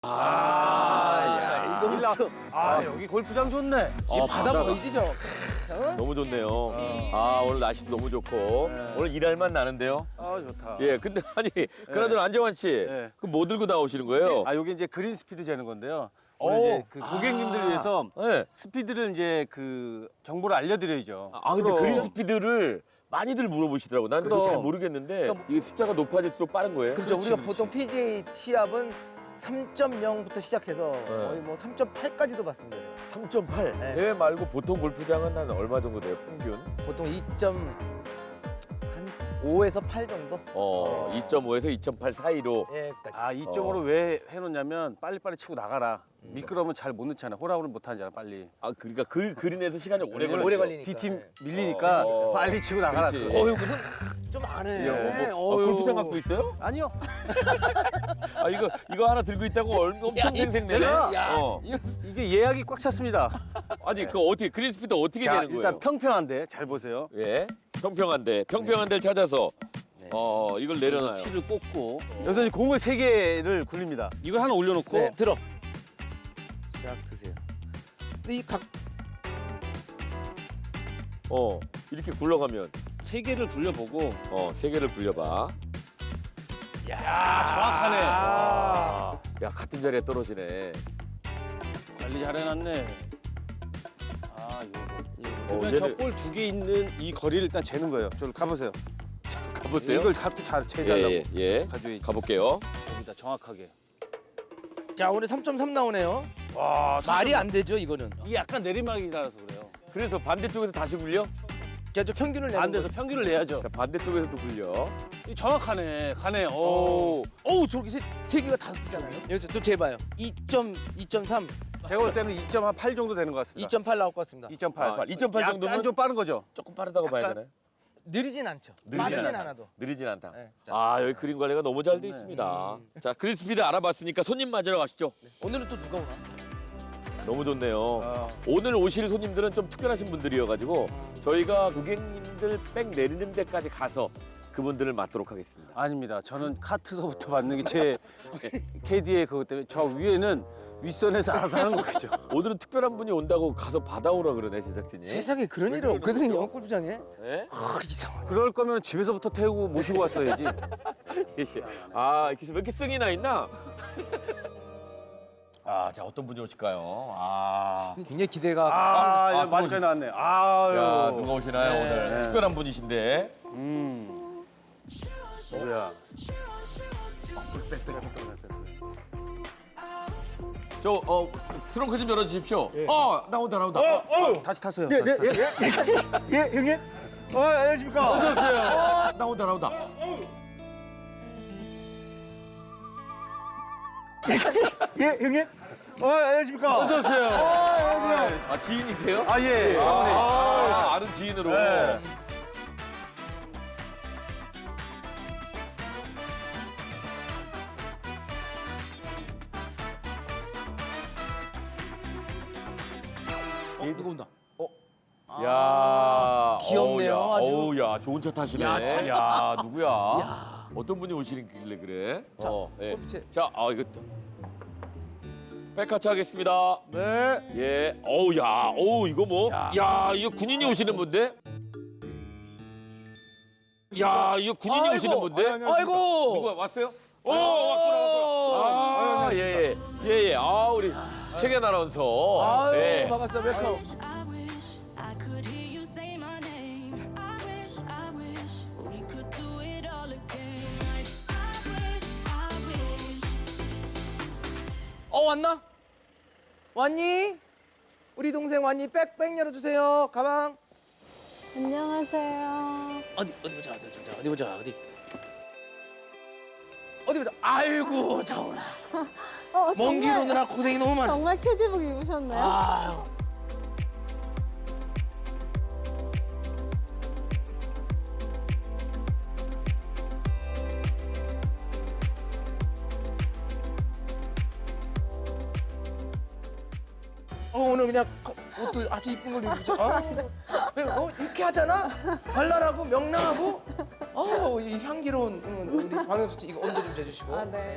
자, 이거부터. 여기 골프장 좋네. 이 바다 바다가 보이지죠? 너무 좋네요. 아, 오늘 날씨도 너무 좋고 네. 오늘 일할 맛 나는데요. 좋다. 예, 근데 아니 그나저나 안정환 씨, 네. 그 뭐 들고 나오시는 거예요? 여기 이제 그린 스피드 재는 건데요. 오늘 이제 그 고객님들 위해서 네. 스피드를 이제 그 정보를 알려드려야죠. 근데 그럼. 그린 스피드를 많이들 물어보시더라고. 난 그거 그럼. 잘 모르겠는데 이게 숫자가 높아질수록 빠른 거예요? 그렇죠. 우리가 그렇지. 보통 PGA 시합은 3.0부터 시작해서 거의 뭐 3.8까지도 봤습니다. 3.8. 네. 대회 말고 보통 골프장은 한 얼마 정도 돼요? 평균? 보통 2.5에서 8 정도? 2.5에서 2.8 사이로. 예, 까지. 2점으로 왜 해놓냐면 빨리빨리 치고 나가라. 미끄러우면 잘 못 넣잖아. 홀아웃을 못 하잖아, 빨리. 그러니까 그린에서 시간이 오래 걸려. 오래 걸리니까. D팀 네. 밀리니까 빨리 치고 나가라. 그렇지. 그거. 무슨 좀 아네. 골프장 갖고 있어요? 아니요. 이거 하나 들고 있다고 엄청 생생내네. 제가- 야, 이게 예약이 꽉 찼습니다. 아니 그 어떻게 그린 스피드 어떻게 자, 되는 거예요? 일단 평평한데 잘 보세요. 예, 평평한 데를 찾아서 네. 이걸 내려놔요. 티를 꽂고 여기서 이제 공을 3개를 굴립니다. 이걸 하나 올려놓고 네, 들어. 쫙 드세요. 근데 이 각 이렇게 굴러가면 3개를 굴려보고 3개를 굴려봐. 정확하네. 야, 같은 자리에 떨어지네. 관리 잘 해놨네. 요거. 그러면 얘를- 저 볼 2개 있는 이 거리를 일단 재는 거예요. 저를 가보세요. 가보세요. 이걸 갖고 잘 재달라고. 예. 가져야지. 가볼게요. 여기다 정확하게. 자, 오늘 3.3 나오네요. 와, 말이 안 되죠, 이거는. 이게 약간 내리막이라서 그래요. 그래서 반대쪽에서 다시 굴려? 자, 저 평균을 내는 안 돼서 평균을 내야죠. 자, 반대쪽에서도 굴려. 이 정확하네. 가네. 어우, 저렇게 세 개가 다 쓰잖아요. 여기서 또 재봐요. 2.3, 제가 볼 때는 2.8 정도 되는 것 같습니다. 2.8 나올 것 같습니다. 2.8. 2.8 약간 정도면 좀 빠른 거죠. 조금 빠르다고 봐야 약간- 되나요? 느리진 않죠. 느리진 빠르진 않죠. 않아도. 느리진 않다. 네. 여기 그림 관리가 너무 잘 돼 있습니다. 자, 그린 스피드 알아봤으니까 손님 맞으러 가시죠. 오늘은 또 누가 오나? 너무 좋네요. 오늘 오실 손님들은 좀 특별하신 분들이어가지고 저희가 고객님들 백 내리는 데까지 가서 그분들을 맞도록 하겠습니다. 아닙니다. 저는 카트서부터 받는 게 제 캐디의 그것 때문에 저 위에는 윗선에서 알아서 하는 거죠. 오늘은 특별한 분이 온다고 가서 받아오라 그러네, 제작진이. 세상에 그런 일이 없거든요, 골프장에. 네? 이상하네. 그럴 거면 집에서부터 태우고 모시고 왔어야지. 이렇게 왜 이렇게 승이 나 있나? 자, 어떤 분이 오실까요? 굉장히 기대가. 많이까지 나왔네. 야, 누가 오시나요, 네. 오늘? 특별한 분이신데. 뭐야? 트렁크 좀 열어주십시오. 나온다. 다시 타세요. 네, 다시 타세요. 예, 형님. 안녕하십니까. 어서 오세요. 나온다. 예, 형님. 안녕하십니까. 어서 오세요. 지인이세요? 예. 사모님. 아는 지인으로. 네. 누가 온다. 야, 귀엽네요, 아주. 어우, 야, 좋은 차 타시네. 야, 참. 야, 누구야? 야. 어떤 분이 오시길래 그래? 자, 예. 골프채. 자, 이것도. 백화차 하겠습니다. 네. 예. 이거 뭐? 야, 이거 군인이 오시는 분데? 야, 이거 군인이 오시는 분데? 아이고. 누가 왔어요? 왔구나. 예. 우리 최견 아나운서. 아유, 네. 반갑습니다. 웰컴. I wish I could hear you say my name. I wish we could do it all again. I wish. 왔나? 왔니? 우리 동생 왔니? 백 열어주세요. 가방. 안녕하세요. 어디 보자. 아이고, 정훈아. 먼 길 오느라 고생이 너무 많았어. 정말 캐디복 입으셨네요. 아유. 오늘 그냥 옷도 아주 이쁜 걸 입으죠. 유쾌하잖아. 발랄하고 명랑하고. 이 향기로운 우리 방영수 씨 이거 온도 좀 재주시고. 네.